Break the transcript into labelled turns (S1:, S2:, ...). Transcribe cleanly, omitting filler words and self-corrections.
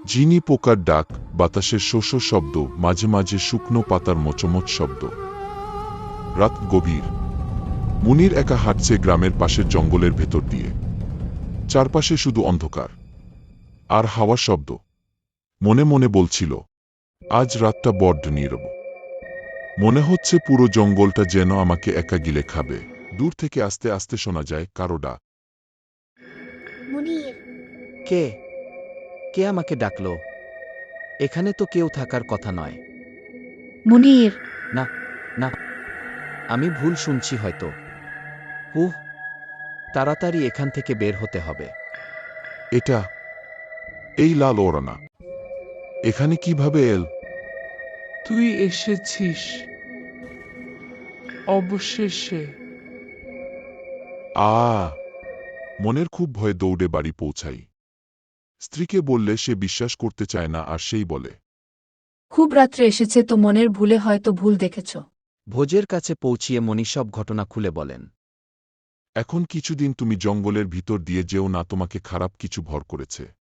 S1: ঝিনি পোকার ডাক, বাতাসের শোষ শব্দ, মাঝে মাঝে শুকনো পাতার মোচমোচ শব্দ। রাত গভীর। মুনির একা হাঁটছে গ্রামের পাশের জঙ্গলের ভেতর দিয়ে। চারপাশে শুধু অন্ধকার আর হাওয়ার শব্দ। মনে মনে বলছিল, আজ রাতটা বড্ড নীরব। মনে হচ্ছে পুরো জঙ্গলটা যেন আমাকে একা গিলে খাবে। দূর থেকে আস্তে আস্তে শোনা যায় কারো ডাক।
S2: মুনির,
S3: কে কে আমাকে ডাকলো? এখানে তো কেউ থাকার কথা নয়।
S2: মুনির,
S3: না, না, আমি ভুল শুনছি হয়তো। হুহ, তাড়াতাড়ি এখান থেকে বের হতে হবে।
S1: এটা এই লাল ওড়না এখানে কিভাবে এল?
S4: তুই এসেছিস অবশেষে।
S1: আ মনের খুব ভয়ে দৌড়ে বাড়ি পৌঁছাই। স্ত্রীকে বললে সে বিশ্বাস করতে চায় না, আর সেই বলে,
S2: খুব রাত্রে এসেছে তো, মনের ভুলে হয়তো ভুল দেখেছ।
S3: ভোজের কাছে পৌঁছিয়ে মণি সব ঘটনা খুলে বলেন।
S1: এখন কিছুদিন তুমি জঙ্গলের ভিতর দিয়ে যেও না, তোমাকে খারাপ কিছু ভর করেছে।